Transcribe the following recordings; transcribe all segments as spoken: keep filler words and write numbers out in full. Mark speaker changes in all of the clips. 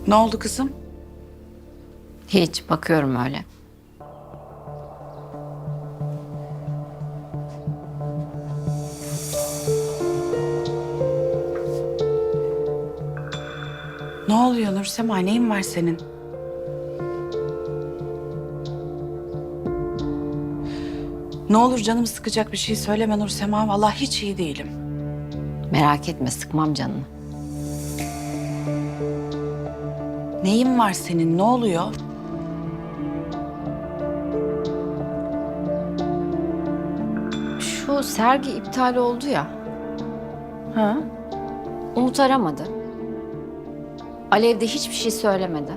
Speaker 1: Ne oldu kızım?
Speaker 2: Hiç, bakıyorum öyle.
Speaker 1: Ne oluyor Nursema? Neyin var senin? Ne olur canımı sıkacak bir şey söyleme Nursema. Vallahi hiç iyi değilim.
Speaker 2: Merak etme, sıkmam canını.
Speaker 1: Neyin var senin? Ne oluyor?
Speaker 2: Şu sergi iptal oldu ya,
Speaker 1: Ha?
Speaker 2: Umut aramadı. Alev de hiçbir şey söylemedi.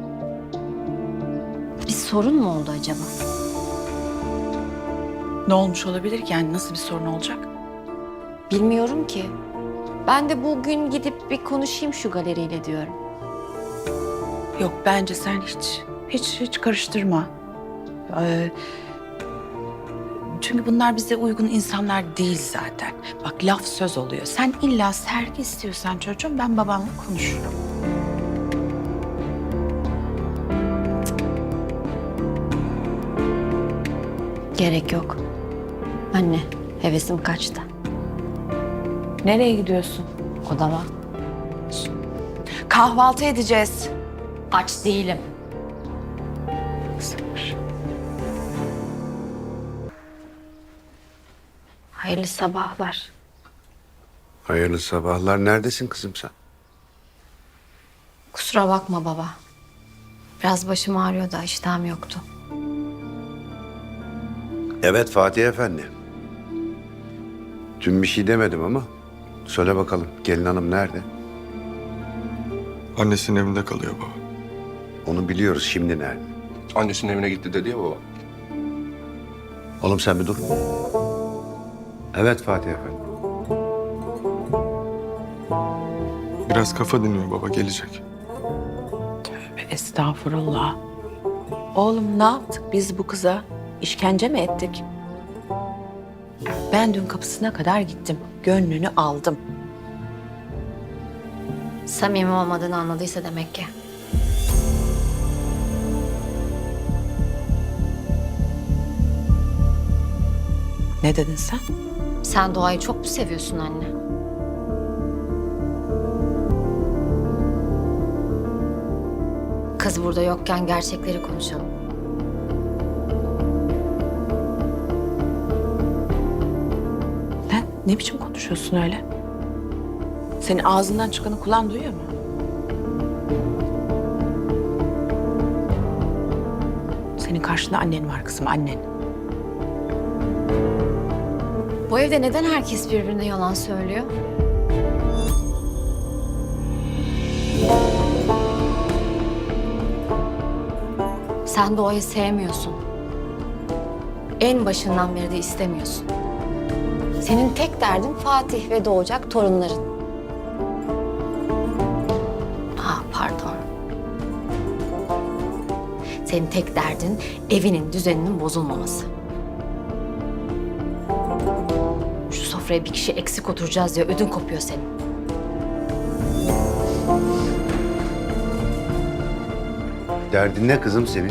Speaker 2: Bir sorun mu oldu acaba?
Speaker 1: Ne olmuş olabilir ki? Yani nasıl bir sorun olacak?
Speaker 2: Bilmiyorum ki. Ben de bugün gidip bir konuşayım şu galeriyle diyorum.
Speaker 1: Yok bence sen hiç, hiç, hiç karıştırma. Ee, çünkü bunlar bize uygun insanlar değil zaten. Bak laf söz oluyor. Sen illa sergi istiyorsan çocuğum ben babamla konuşurum.
Speaker 2: Gerek yok. Anne, hevesim kaçtı.
Speaker 1: Nereye gidiyorsun?
Speaker 2: Odama.
Speaker 1: Kahvaltı edeceğiz.
Speaker 2: Aç değilim.
Speaker 1: Sabır.
Speaker 2: Hayırlı sabahlar.
Speaker 3: Hayırlı sabahlar. Neredesin kızım sen?
Speaker 2: Kusura bakma baba. Biraz başım ağrıyor da iştahım yoktu.
Speaker 3: Evet Fatih Efendi. Dün bir şey demedim ama söyle bakalım gelin hanım nerede?
Speaker 4: Annesinin evinde kalıyor baba.
Speaker 3: Onu biliyoruz, şimdi nerede?
Speaker 5: Annesinin evine gitti dedi ya baba.
Speaker 3: Oğlum sen bir dur. Evet Fatih Efendi.
Speaker 4: Biraz kafa dinliyor baba, gelecek.
Speaker 1: Tövbe estağfurullah. Oğlum ne yaptık biz bu kıza? İşkence mi ettik? Ben dün kapısına kadar gittim. Gönlünü aldım.
Speaker 2: Samimi olmadığını anladıysa demek ki.
Speaker 1: Ne dedin sen?
Speaker 2: Sen doğayı çok mu seviyorsun anne? Kız burada yokken gerçekleri konuşalım.
Speaker 1: Sen ne biçim konuşuyorsun öyle? Senin ağzından çıkanı kulağın duyuyor mu? Senin karşında annen var kızım, annen.
Speaker 2: Bu evde neden herkes birbirine yalan söylüyor? Sen doğayı sevmiyorsun. En başından beri de istemiyorsun. Senin tek derdin Fatih ve doğacak torunların. Ah pardon. Senin tek derdin evinin düzeninin bozulmaması. Şu sofraya bir kişi eksik oturacağız diye ödün kopuyor senin.
Speaker 3: Derdin ne kızım senin?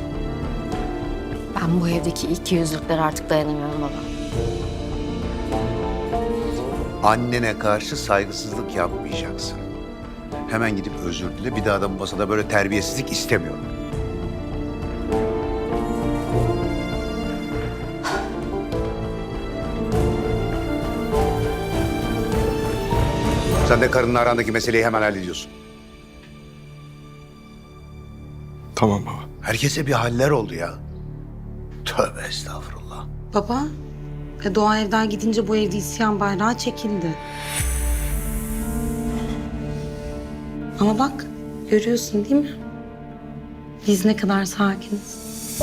Speaker 2: Ben bu evdeki iki yüzlüklere artık dayanamıyorum baba.
Speaker 3: Annene karşı saygısızlık yapmayacaksın. Hemen gidip özür dile. Bir daha da bu masada böyle terbiyesizlik istemiyorum. Sen de karınla arandaki meseleyi hemen hallediyorsun.
Speaker 4: Tamam baba.
Speaker 3: Herkese bir haller oldu ya. Tövbe estağfurullah.
Speaker 6: Baba, e, Doğa evden gidince bu evde isyan bayrağı çekildi. Ama bak, görüyorsun değil mi? Biz ne kadar sakiniz.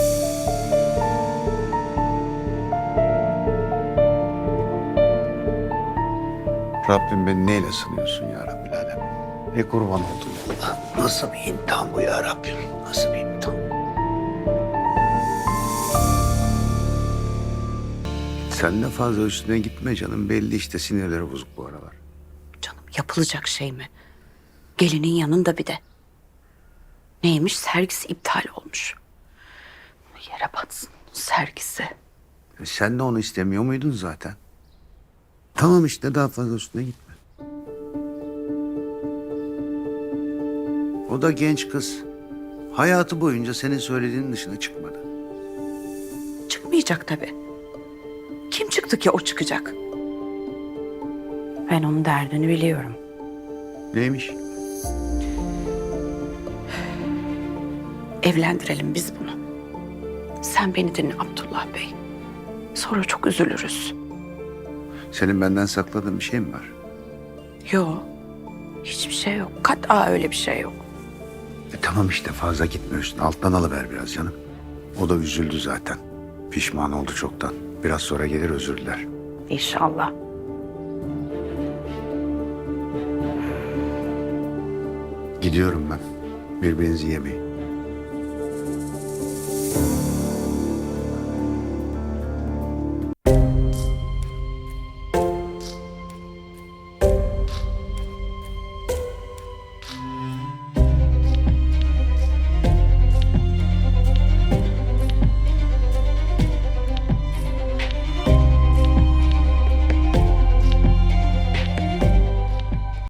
Speaker 3: Rabbim beni neyle sınıyorsun ya Rabbil Alem? E kurban oldum Allah. Nasıl bir imtihan bu ya Rabbim? Nasıl bir imtihan? Sen de fazla üstüne gitme canım. Belli işte sinirleri bozuk bu aralar.
Speaker 1: Canım yapılacak şey mi? Gelinin yanında bir de. Neymiş? Sergisi iptal olmuş. Yere batsın sergisi.
Speaker 3: E sen de onu istemiyor muydun zaten? Tamam işte, daha fazla üstüne gitme. O da genç kız. Hayatı boyunca senin söylediğinin dışına çıkmadı.
Speaker 1: Çıkmayacak tabii. Kim çıktı ki o çıkacak? Ben onun derdini biliyorum.
Speaker 3: Neymiş?
Speaker 1: Evlendirelim biz bunu. Sen beni dinle Abdullah Bey. Sonra çok üzülürüz.
Speaker 3: Senin benden sakladığın bir şey mi var?
Speaker 1: Yok. Hiçbir şey yok. Kat'a öyle bir şey yok.
Speaker 3: E tamam işte, fazla gitme üstüne. Alttan alıver biraz canım. O da üzüldü zaten. Pişman oldu çoktan. Biraz sonra gelir özür diler.
Speaker 1: İnşallah.
Speaker 3: Gidiyorum ben. Birbirinizi yemeyin.